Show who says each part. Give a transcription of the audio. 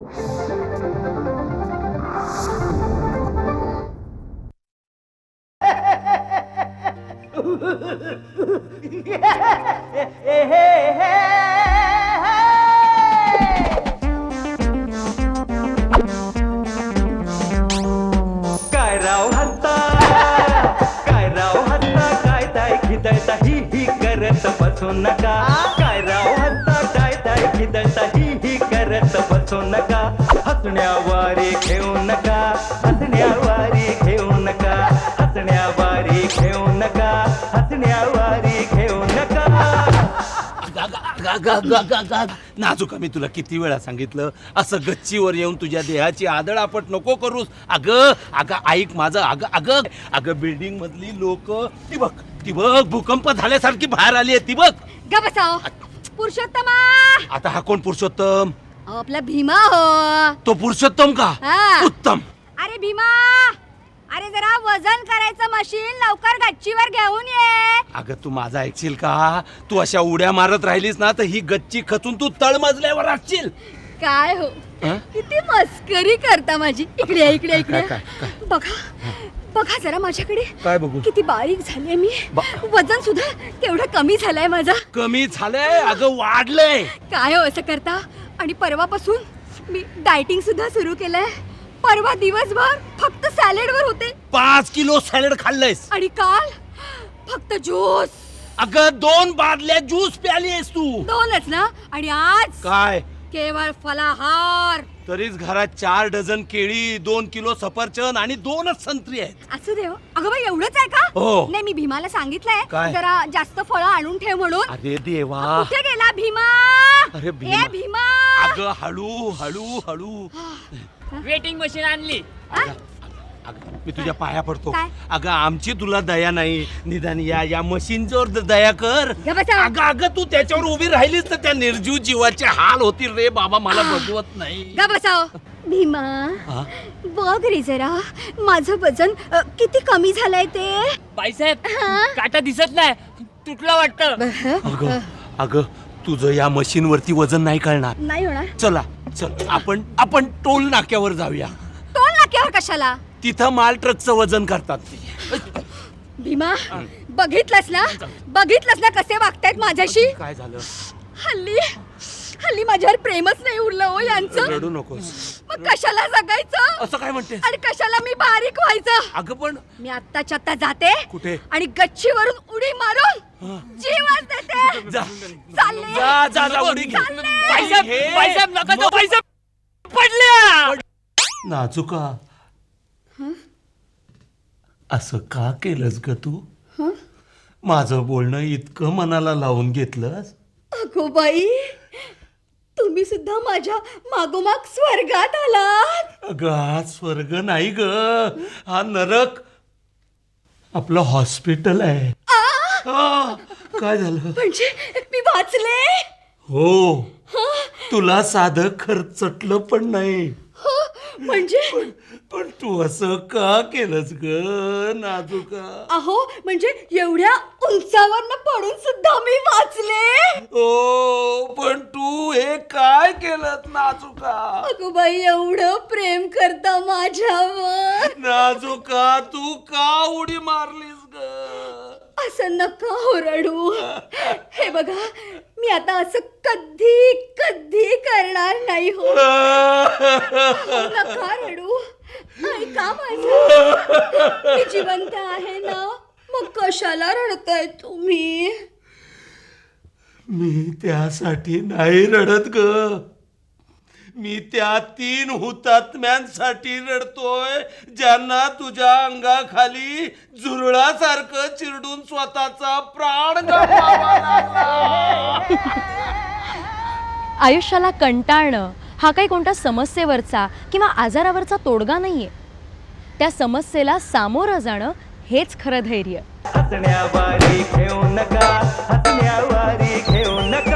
Speaker 1: काय राव हत्ता काय ताय खिदळता ही करत बसू नका. काय राव हत्ता काय खिदळता ही करत बसू नका. हसण्यावारे घेऊ नका, हसण्यावारी घेऊ नका, हसण्यावारी घेऊ नका, हसण्यावारी घेऊ नका.
Speaker 2: नाजुका, मी तुला किती वेळा सांगितलं असं गच्चीवर येऊन तुझ्या देहाची आदळआपट नको करूस. अगं अगं ऐक माझं. अगं अगं अगं बिल्डिंग मधली लोक ती बघ भूकंप झाल्यासारखी बाहेर आली आहे ती बघ.
Speaker 3: गा बसाव. पुरुषोत्तमा.
Speaker 2: आता हा कोण पुरुषोत्तम?
Speaker 3: आपला भीमा हो.
Speaker 2: तो पुरुषोत्तम का?
Speaker 3: हा.
Speaker 2: उत्तम.
Speaker 3: अरे भीमा, अरे जरा वजन करायचं मशीन लवकर गच्चीवर घेऊन ये.
Speaker 2: अगं तू माझा ऐकशील का? तू अशा उड्या मारत राहिलीस ना तर ही गच्ची खचून तू तळमजल्यावर असशील.
Speaker 3: काय हो, किती मस्करी करता माझी. इकडे इकडे इकडे बघा बघा जरा माझ्याकडे.
Speaker 2: काय बघू?
Speaker 3: किती बारीक झाले मी. वजन सुद्धा तेवढं कमी झालंय माझा.
Speaker 2: कमी झालंय? अगं वाढलंय.
Speaker 3: काय हो असं करता? आणि परवापासून मी डायटिंग सुद्धा सुरू केलंय. परवा दिवसभर फक्त सॅलेड वर होते.
Speaker 2: 5 किलो सॅलड खाल्लंयस.
Speaker 3: आणि काल फक्त ज्यूस.
Speaker 2: अगं 2 बादल्या ज्यूस प्यालीस तू.
Speaker 3: 2च ना? आणि आज
Speaker 2: काय?
Speaker 3: केवळ फलाहार.
Speaker 2: तरीच घरात 4 डझन केळी, 2 किलो सफरचंद आणि 2च संत्री आहेत.
Speaker 3: असू दे हो. अगं बाई एवढंच आहे का?
Speaker 2: हो.
Speaker 3: नाही, मी भीमाला सांगितलंय
Speaker 2: काय?
Speaker 3: जरा जास्त फळं आणून ठेव म्हणून.
Speaker 2: अरे देवा.
Speaker 3: कुठे गेला भीमा?
Speaker 2: अरे
Speaker 3: ए भीमा.
Speaker 2: अगं हळू हळू हळू.
Speaker 4: वेटिंग मशीन आणली.
Speaker 2: अगं मी तुझ्या पाया पडतो.
Speaker 3: काय?
Speaker 2: अगं आमची तुला दया नाही, निदान या मशीनवर दया कर.
Speaker 3: ग बसा.
Speaker 2: अगं अगं तू त्याच्यावर उभी राहिलीस तर त्या निर्जीव जीवाचे हाल होतील रे बाबा. मला बघवत नाही.
Speaker 3: ग बसाव. भीमा
Speaker 2: हा?
Speaker 3: बघ रे जरा माझं वजन किती कमी झालंय ते.
Speaker 4: बाईसाहेब, काटा दिसत नाही, तुटला वाटतं.
Speaker 2: अगं अगं तुझं या मशीन वरती वजन नाही कळणार.
Speaker 3: नाही होणार.
Speaker 2: चल आपण टोल नाक्यावर जाऊया.
Speaker 3: टोल नाक्यावर कशाला?
Speaker 2: तिथं माल ट्रकचं वजन करतात ते.
Speaker 3: भीमा बघितलंस ना कसे वागतायत माझ्याशी.
Speaker 2: काय झालं?
Speaker 3: हल्ली माझ्यावर प्रेमच नाही उरलं हो यांचं.
Speaker 2: रडू नकोस.
Speaker 3: मग कशाला जगायचं?
Speaker 2: असं काय म्हणते?
Speaker 3: आणि कशाला मी बारीक व्हायचं?
Speaker 2: अगं पण
Speaker 3: मी आत्ताच्या आत्ता जाते.
Speaker 2: कुठे?
Speaker 3: आणि गच्चीवरून उडी मारून जीवच देते.
Speaker 2: जा
Speaker 3: चालले.
Speaker 2: जा उडी घे.
Speaker 4: बाईसाहेब नका जाऊ. बाईसाहेब पडल्या.
Speaker 2: नाजुका, असं का केलंस ग तू? माझं बोलणं इतकं मनाला लावून घेतलंस?
Speaker 3: अगो बाई, तुम्ही सुद्धा माझ्या मागोमाग स्वर्गात आलात.
Speaker 2: अगं हा स्वर्ग नाही ग, हा नरक. आपलं हॉस्पिटल आहे. काय झालं?
Speaker 3: म्हणजे मी वाचले.
Speaker 2: हो, तुला साधं खर्चटलं पण नाही.
Speaker 3: म्हणजे
Speaker 2: पण तू असं का केलंस ग नाजुका?
Speaker 3: अहो म्हणजे एवढ्या उंचावरनं पडून सुद्धा मी वाचले.
Speaker 2: ओ पण तू हे काय केलं नाजुका?
Speaker 3: अगो बाई, एवढं प्रेम करता माझ्यावर.
Speaker 2: नाजुका तू का उडी मारलीस ग?
Speaker 3: असं नका ओरडू. हे बघा, मी आता असं कधी कधी करणार नाही हो. नका रडू. ऐका माझं. मी जिवंत आहे ना, मग कशाला रडताय तुम्ही?
Speaker 2: मी त्यासाठी नाही रडत ग, मी त्या 3 हुतात्म्यांसाठी रडतोय ज्यांना तुझ्या अंगाखाली झुरळासारखं चिरडून स्वतःचा प्राण गमवावा लागला.
Speaker 5: आयुष्याला कंटाळणं हा काही कोणत्या समस्येवरचा किंवा आजारावरचा तोडगा नाहीये. त्या समस्येला सामोरं जाणं हेच खरं धैर्य.
Speaker 1: हसण्यावारी घेऊ नका, हसण्यावारी घेऊ नका.